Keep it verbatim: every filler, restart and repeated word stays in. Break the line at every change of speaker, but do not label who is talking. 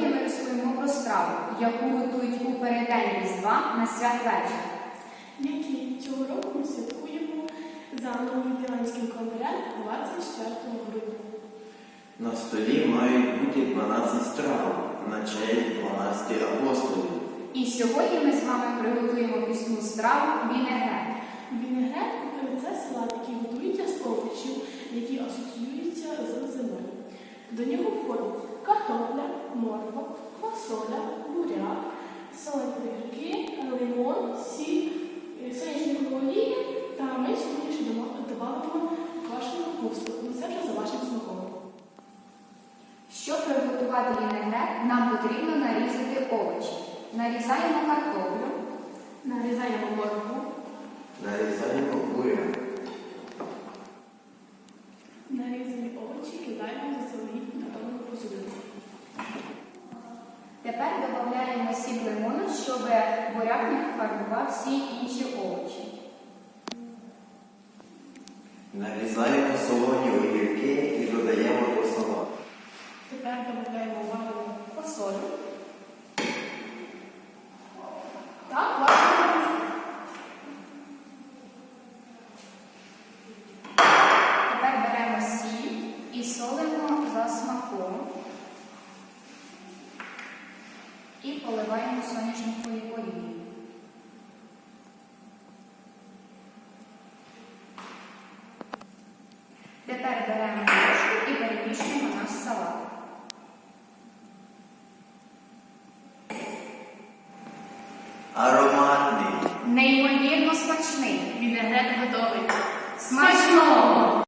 Сьогодні ми розповімо про страву, яку готують у переддень Різдва на святвечір.
Який цього року ми святкуємо за новоюліанським календарем двадцять четвертого грудня.
На столі мають бути дванадцять страв на честь дванадцяти апостолів.
І сьогодні ми з вами приготуємо пісну страву вінегрет.
Вінегрет – це салат, який готується з овочів, які асоціюються з зимою. До нього входять картопля, морква, фасоля, буряк, солені огірки, лимон, сіль, соняшникова олія та ми сьогодні ще додаємо квашену капусту. Це вже за вашим смаком.
Щоб приготувати вінегрет, нам потрібно нарізати овочі. Нарізаємо картоплю,
Нарізаємо моркву,
Нарізаємо буряк.
нарізані овочі кидаємо в заздалегідь підготовлену посудину.
Тепер додаємо сік лимону, щоб буряк не фарбував всі інші овочі.
Нарізаємо солоні огірки і додаємо до салату.
Тепер додаємо варену фасолю та квашену капусту.
Тепер беремо сіль і солимо за смаком. І поливаємо соняшниковою олією. Тепер беремо ложку і перемішуємо наш салат.
Ароматний.
Неймовірно смачний.
Вінегрет готовий.
Смачного!